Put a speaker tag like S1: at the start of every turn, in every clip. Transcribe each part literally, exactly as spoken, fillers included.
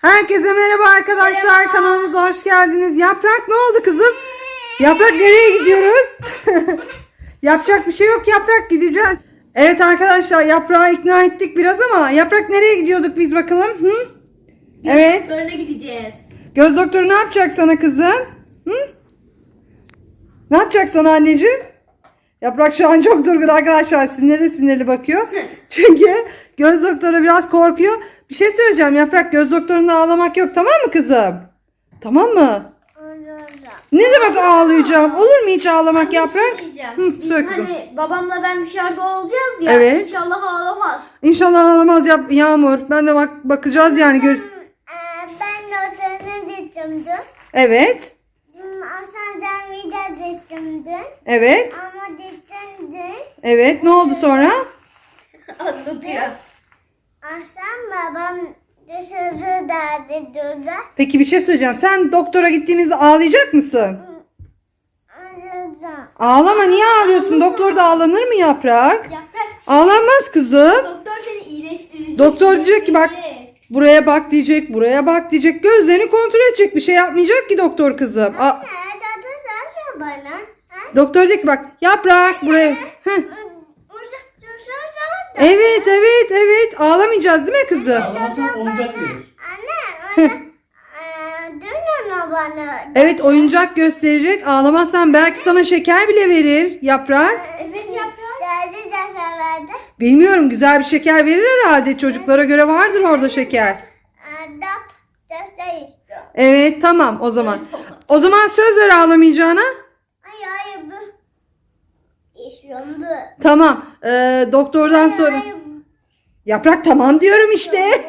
S1: Herkese merhaba arkadaşlar.
S2: Merhaba.
S1: Kanalımıza hoş geldiniz. Yaprak ne oldu kızım? Yaprak nereye gidiyoruz? Yapacak bir şey yok, Yaprak gideceğiz. Evet arkadaşlar, Yaprağı ikna ettik biraz ama Yaprak nereye gidiyorduk biz bakalım? Hı?
S2: Göz
S1: Evet.
S2: doktoruna gideceğiz.
S1: Göz doktoru ne yapacak sana kızım? Hı? Ne yapacak sana anneciğim? Yaprak şu an çok durgun arkadaşlar. Sinirli sinirli bakıyor. Çünkü göz doktoru biraz korkuyor. Bir şey söyleyeceğim Yaprak. Göz doktorunda ağlamak yok, tamam mı kızım? Tamam mı? Ne demek ağlayacağım? Olur mu hiç ağlamak
S2: Anne,
S1: Yaprak?
S2: bir şey diyeceğim.
S1: Hı,
S2: Biz
S1: söyle kızım.
S2: hani babamla ben dışarıda olacağız ya.
S1: Evet.
S2: İnşallah ağlamaz.
S1: İnşallah ağlamaz yap Yağmur. Ben de bak bakacağız yani. Gör
S3: Ben notanı düşündüm.
S1: evet.
S3: Aslında vida düşündüm.
S1: Evet.
S3: Ama düşündüm.
S1: Evet. Ne oldu sonra?
S2: Anlatıyor.
S3: Aslında babam dışarı derdi durdu.
S1: Peki bir şey söyleyeceğim. Sen doktora gittiğimizde ağlayacak mısın?
S3: Anladım.
S1: Ağlama, niye ağlıyorsun? Doktorda ağlanır mı Yaprak?
S2: Yaprak.
S1: Ağlanmaz kızım.
S2: Doktor seni iyileştirecek.
S1: Doktor diyecek ki bak,
S2: iyileştirecek.
S1: buraya bak diyecek, buraya bak diyecek. Gözlerini kontrol edecek. Bir şey yapmayacak ki doktor kızım. A-
S3: Ne dadı da bana? Ha?
S1: doktor diyecek ki bak Yaprak buraya. Heh.
S3: Uzak dursana da.
S1: Evet evet evet. Ağlamayacağız değil mi kızım?
S4: Ağlamazsan oyuncak verir.
S3: Anne, anne. Eee, dön ona bana.
S1: Evet, oyuncak gösterecek. Ağlamazsan belki sana şeker bile verir Yaprak.
S2: Evet Yaprak.
S3: Derdi de severdi.
S1: Bilmiyorum, güzel bir şeker verir herhalde. Çocuklara göre vardır orada şeker.
S3: Eee, Dap da şey istiyor.
S1: Evet tamam o zaman. O zaman söz ver ağlamayacağına.
S3: Ay ay bu. İstiyorum bu.
S1: Tamam. Ee, doktordan sonra.
S3: Ay,
S1: Yaprak tamam diyorum işte.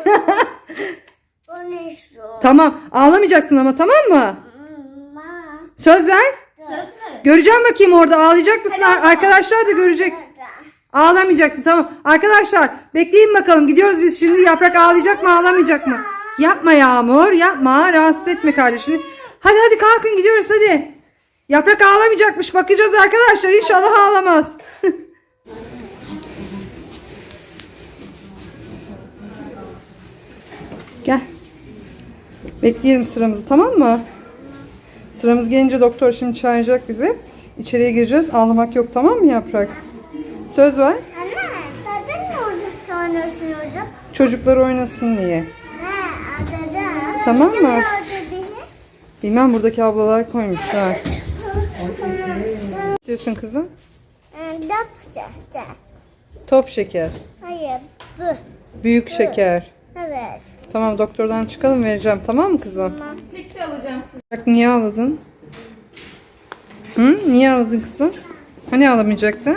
S3: bunu istiyorum.
S1: Tamam. Ağlamayacaksın ama, tamam mı?
S3: Ma.
S1: Söz ver.
S2: Söz mü?
S1: Göreceğim bakayım orada ağlayacak mısın?
S2: Hadi o zaman.
S1: Arkadaşlar da görecek. Ağlamayacaksın, tamam. Arkadaşlar bekleyin bakalım. Gidiyoruz biz şimdi. Yaprak ağlayacak mı, ağlamayacak mı? Yapma Yağmur, yapma. Rahatsız etme kardeşini. Hadi hadi kalkın, gidiyoruz hadi. Yaprak ağlamayacakmış. Bakacağız arkadaşlar. İnşallah ağlamaz. Gel. Bekleyelim sıramızı, tamam mı? Sıramız gelince doktor şimdi çağıracak bizi. İçeriye gireceğiz. Ağlamak yok, tamam mı Yaprak? Söz ver.
S3: Anne, tadı ne olacak sonrası olacak?
S1: Çocuklar oynasın diye.
S3: He, tadı.
S1: Tamam
S3: Kim
S1: mı?
S3: gördü beni?
S1: Bilmem, buradaki ablalar koymuşlar. Ne diyorsun kızım?
S3: Eee, Dap da.
S1: Top şeker.
S3: Hayır, bu.
S1: Büyük şeker.
S3: Evet.
S1: Tamam, doktordan çıkalım, vereceğim, tamam mı kızım?
S3: Tamam.
S2: Bekle alacağım sizi.
S1: Bak, niye ağladın? Hı? Niye ağladın kızım? Hani ağlamayacaktın?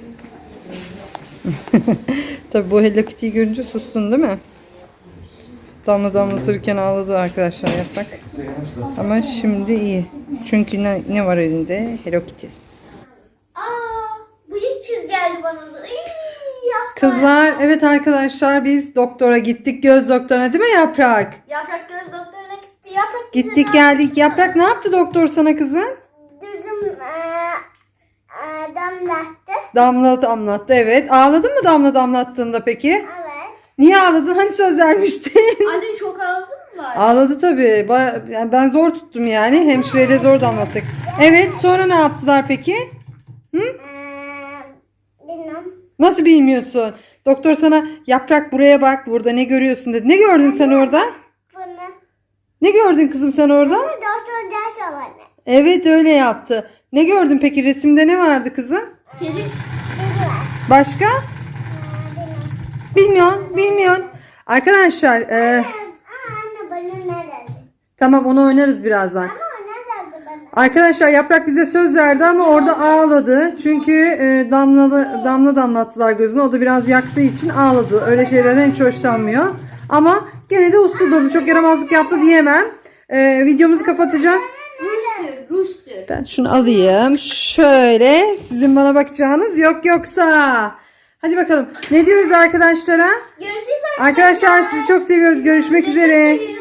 S1: Tabii bu Hello Kitty'yi görünce sustun değil mi? Damla damlatırken ağladı arkadaşlar Yaprak. Ama şimdi iyi. Çünkü ne, ne var elinde? Hello Kitty.
S2: Aa, bıyık çiz geldi bana da. İyi, yastığa.
S1: Kızlar, evet arkadaşlar, biz doktora gittik, göz doktoruna değil mi Yaprak?
S2: Yaprak göz doktoruna gitti. Yaprak bize
S1: Gittik
S2: ne
S1: geldik. Yaprak ne yaptı doktor sana kızım?
S3: Düzüm eee, eee, damlattı.
S1: Damla damlattı, evet. Ağladın mı damla damlattığında peki?
S3: Evet.
S1: Niye ağladın? Hani söz vermiştin?
S2: Anne çok ağladın mı var?
S1: Ağladı tabii. Baya- yani ben zor tuttum yani. Hemşireyle zor damlattık. Evet, sonra ne yaptılar peki? Hı?
S3: Eee, bilmem.
S1: Nasıl bilmiyorsun? Doktor sana Yaprak buraya bak, burada ne görüyorsun dedi. Ne gördün sen orada?
S3: Bunu.
S1: Ne gördün kızım sen orada?
S3: Doktor ders bana.
S1: Evet, öyle yaptı. Ne gördün peki, resimde ne vardı kızım?
S2: Kedi.
S3: Dedi var.
S1: Başka?
S3: Eee, bilmem.
S1: Bilmiyorsun, bilmiyorsun. Arkadaşlar, e,
S3: Aa, anne bana ne dedi?
S1: tamam onu oynarız birazdan.
S3: Ama ne dedi bana?
S1: Arkadaşlar Yaprak bize söz verdi ama orada ağladı. Çünkü e, damlalı, damla damlattılar gözüne. O da biraz yaktığı için ağladı. Öyle şeylerden hiç hoşlanmıyor. Ama gene de uslu durdu. Çok yaramazlık yaptı diyemem. E, videomuzu kapatacağız.
S2: Ruj sür, ruj sür.
S1: Ben şunu alayım. Şöyle. Sizin bana bakacağınız yok yoksa. Hadi bakalım. Ne diyoruz arkadaşlara?
S2: Görüşürüz
S1: Arkadaşlar sizi çok seviyoruz. Görüşmek üzere.